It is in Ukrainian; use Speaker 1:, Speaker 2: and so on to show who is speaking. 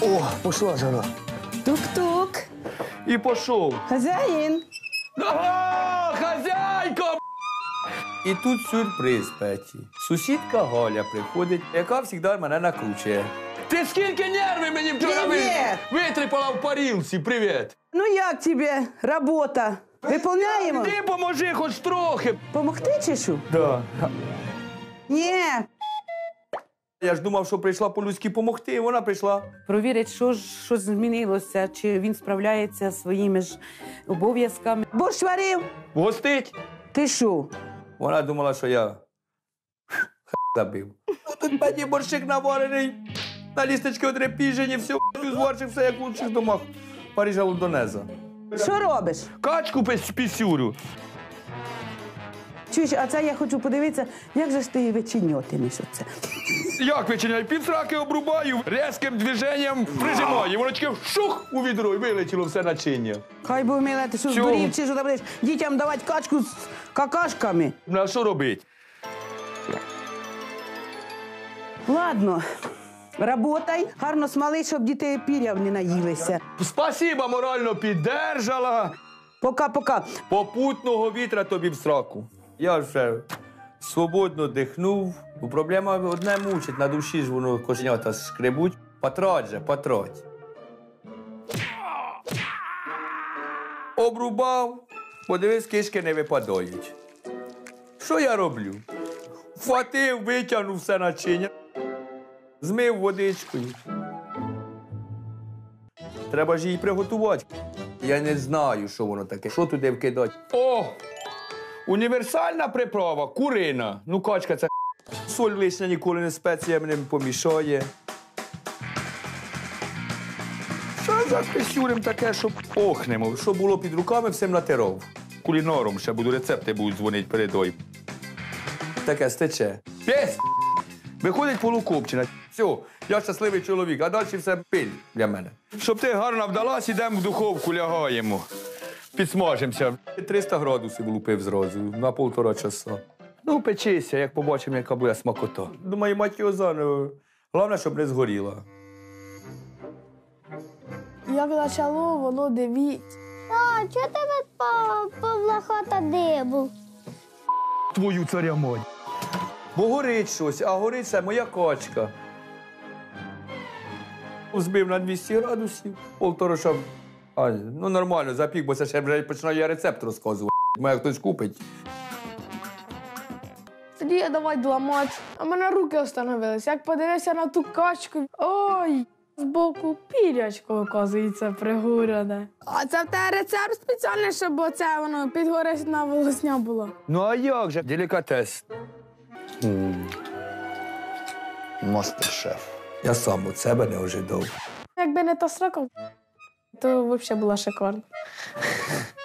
Speaker 1: О, пошла жара.
Speaker 2: Тук-тук.
Speaker 1: І пішов.
Speaker 2: Хазяїн.
Speaker 1: Ага, хазяйка! І тут сюрприз, Петі. Сусідка Галя приходить, яка завжди мене накручує. Ти скільки нервів мені вчора витріпала в парілці? Привіт!
Speaker 2: Ну як тебе робота? Виповняємо?
Speaker 1: Ти поможи хоч трохи.
Speaker 2: Помогти чи що?
Speaker 1: Да.
Speaker 2: Ні.
Speaker 1: Я ж думав, що прийшла по-людськи помогти, і вона прийшла.
Speaker 3: Провірить, що змінилося, чи він справляється зі своїми ж обов'язками.
Speaker 2: Борщ варив?
Speaker 1: Гостить.
Speaker 2: Ти що?
Speaker 1: Вона думала, що я забив. Ну, тут мені борщик наварений, на лісточки одрепіжені, все, зварчик, все як в лучших домах Парижа Лондонеза.
Speaker 2: Що робиш?
Speaker 1: Качку пісюрю.
Speaker 2: Чуєш, а це я хочу подивитися, як же ж ти вичиньотимеш оце?
Speaker 1: Як вичиняю? Півсраки обрубаю, різким движенням прижимаю. Воно тільки шух у відро і вилетіло все начиння.
Speaker 2: Хай би вміла, ти що
Speaker 1: Чого?
Speaker 2: здурів, чи що ти будеш дітям давати качку з какашками?
Speaker 1: Ну, а що робити?
Speaker 2: Ладно, работай, гарно смали, щоб діти піряв не наїлися.
Speaker 1: Спасіба, морально піддержала.
Speaker 2: Пока-пока.
Speaker 1: Попутного вітра тобі в сраку. Я вже свободно дихнув. Проблема одне мучить, на душі ж воно кошенята шкребуть. Патрать же, патрать. Обрубав, подивись, кишки не випадають. Що я роблю? Вхватив, витягнув все начиння, змив водичкою. Треба ж її приготувати. Я не знаю, що воно таке. Що туди вкидати? О! Універсальна приправа, курина. Ну, качка, це соль лишня ніколи не спеціями не помішає. Що за писюрем таке, щоб охнемо? Що було під руками, всім натирав. Кулінаром ще буду, рецепти будуть дзвонити передой. Таке стече. Пєс! Виходить полукопчина. Все, я щасливий чоловік, а далі все пиль для мене. Щоб ти гарно вдалась, ідемо в духовку, лягаємо. Підсмажимося. 300 градусів влупив зразу, на 1,5 часа. Ну, печися, як побачимо, яка буде смакота. Думаю, мать його заново. Головне, щоб не згоріла.
Speaker 4: Як почало, воно дивіть.
Speaker 5: А, чого тебе Павла хата дибу?
Speaker 1: Твою царя мать. Бо горить щось, а горить це моя качка. Збив на 200 градусів, 1,5 часа. Ну, нормально, запік, бо це ще вже починаю я рецепт розказувати. Має хтось купить.
Speaker 4: Тоді я давай дламати. А в мене руки остановились. Як подивився на ту качку, ой, збоку пірячко, оказується, пригорене. А це в тебе рецепт спеціальний, щоб оце воно підгорисна волосня була.
Speaker 1: Ну, а як же? Делікатес. Мастер-шеф. Я сам від себе не ожидав.
Speaker 4: Якби не та срока, то взагалі була шикарна.